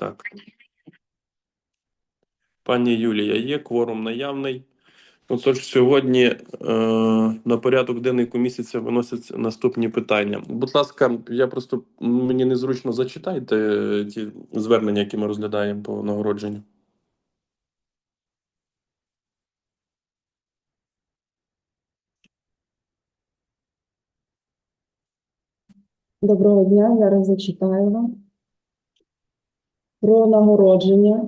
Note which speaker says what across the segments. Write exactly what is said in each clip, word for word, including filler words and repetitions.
Speaker 1: Так. Пані Юлія, є кворум наявний. Отож, сьогодні е, на порядок денний комісії виносяться наступні питання. Будь ласка, я просто мені незручно зачитайте ті звернення, які ми розглядаємо по нагородженню.
Speaker 2: Доброго дня, зараз зачитаю вам про нагородження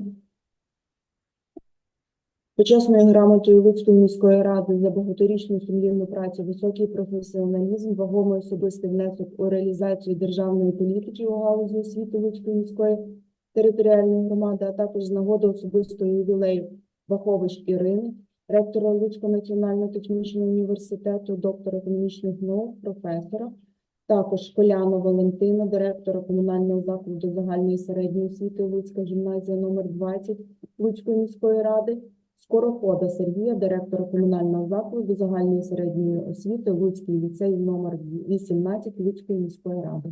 Speaker 2: почесною грамотою Луцької міської ради за багаторічну сумлінну працю, високий професіоналізм, вагомий особистий внесок у реалізацію державної політики у галузі освіти Луцької міської територіальної громади, а також з нагоди особистого ювілею Вахович Ірини, ректора Луцького національного технічного університету, доктора економічних наук, професора. Також Школяна Валентина, директора комунального закладу загальної середньої освіти Луцька гімназія номер двадцять Луцької міської ради, Скорохода Сергія, директора комунального закладу загальної середньої освіти Луцький ліцей номер вісімнадцять Луцької міської ради.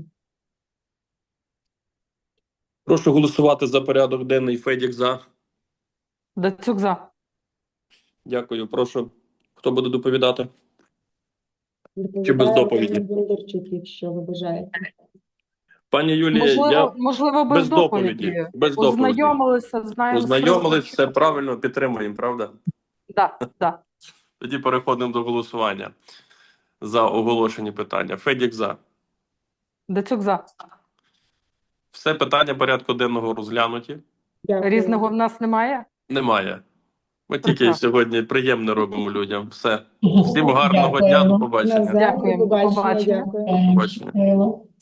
Speaker 1: Прошу голосувати за порядок денний. Федік за.
Speaker 3: Дацюк за.
Speaker 1: Дякую. Прошу. Хто буде доповідати?
Speaker 2: Доповідає
Speaker 1: Чи без доповіді?
Speaker 2: Ірина Бондарчук, якщо ви бажаєте.
Speaker 1: Пані Юлія,
Speaker 3: Можливо,
Speaker 1: я
Speaker 3: можливо без,
Speaker 1: без доповіді.
Speaker 3: доповіді.
Speaker 1: Без доповіді.
Speaker 3: Ознайомилися, знаємо.
Speaker 1: Ознайомились, все правильно, підтримуємо, правда?
Speaker 3: Да, да.
Speaker 1: Тоді переходимо до голосування за оголошені питання. Федік за.
Speaker 3: Дацюк за.
Speaker 1: Все питання порядку денного розглянуті.
Speaker 2: Дякую.
Speaker 3: Різного в нас немає?
Speaker 1: Немає. Ми тільки
Speaker 3: Прекрасно.
Speaker 1: сьогодні приємно робимо людям. Все. Всім гарного дня, до побачення.
Speaker 2: Назар, до
Speaker 3: Дякуємо. До
Speaker 2: побачення,
Speaker 3: побачення.
Speaker 2: дякую.
Speaker 1: До побачення.
Speaker 4: Дякую.